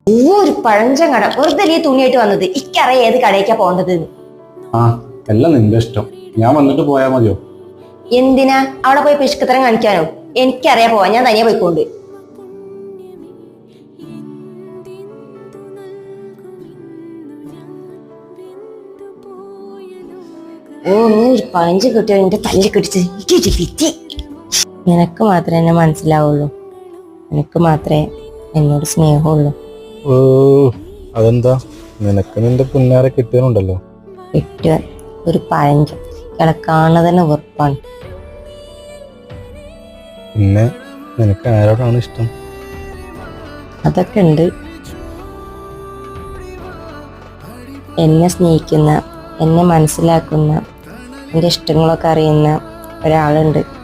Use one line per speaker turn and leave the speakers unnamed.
ഒരു പഴഞ്ചൻ കട വെറുതെ ഈ തുണിയായിട്ട് വന്നത്. ഇക്കറിയാം ഏത് കടയ്ക്കാ പോകേണ്ടത്.
ആ എല്ലാം നിന്റെ ഇഷ്ടം. ഞാൻ വന്നിട്ട് പോയാ മതിയോ?
എന്തിനാ അവിടെ പോയി പിശുക്കത്തരം കാണിക്കാനോ? എനിക്കറിയാ പോവാ, ഞാൻ തനിയെ പോയിക്കൊണ്ട്. ഓ നീ ഒരു പഴഞ്ച് കിട്ടിയോ എന്റെ തല്ലി കിടിച്ച്. നിനക്ക് മാത്രമേ എന്നെ മനസ്സിലാവുള്ളൂ. നിനക്ക് മാത്രമേ എന്നോട് സ്നേഹമുള്ളൂ.
ഓ അതെന്താ? നിനക്ക് നിന്റെ പുന്നാരെ കിട്ടിയാലുണ്ടല്ലോ.
കിട്ടുക ഒരു പഴഞ്ച് കിടക്കാണ തന്നെ വെറുപ്പാണ്.
പിന്നെ നിനക്ക് ആരോടാണ് ഇഷ്ടം?
അതൊക്കെ ഉണ്ട്. എന്നെ സ്നേഹിക്കുന്ന, എന്നെ മനസ്സിലാക്കുന്ന, എൻ്റെ ഇഷ്ടങ്ങളൊക്കെ അറിയുന്ന ഒരാളുണ്ട്.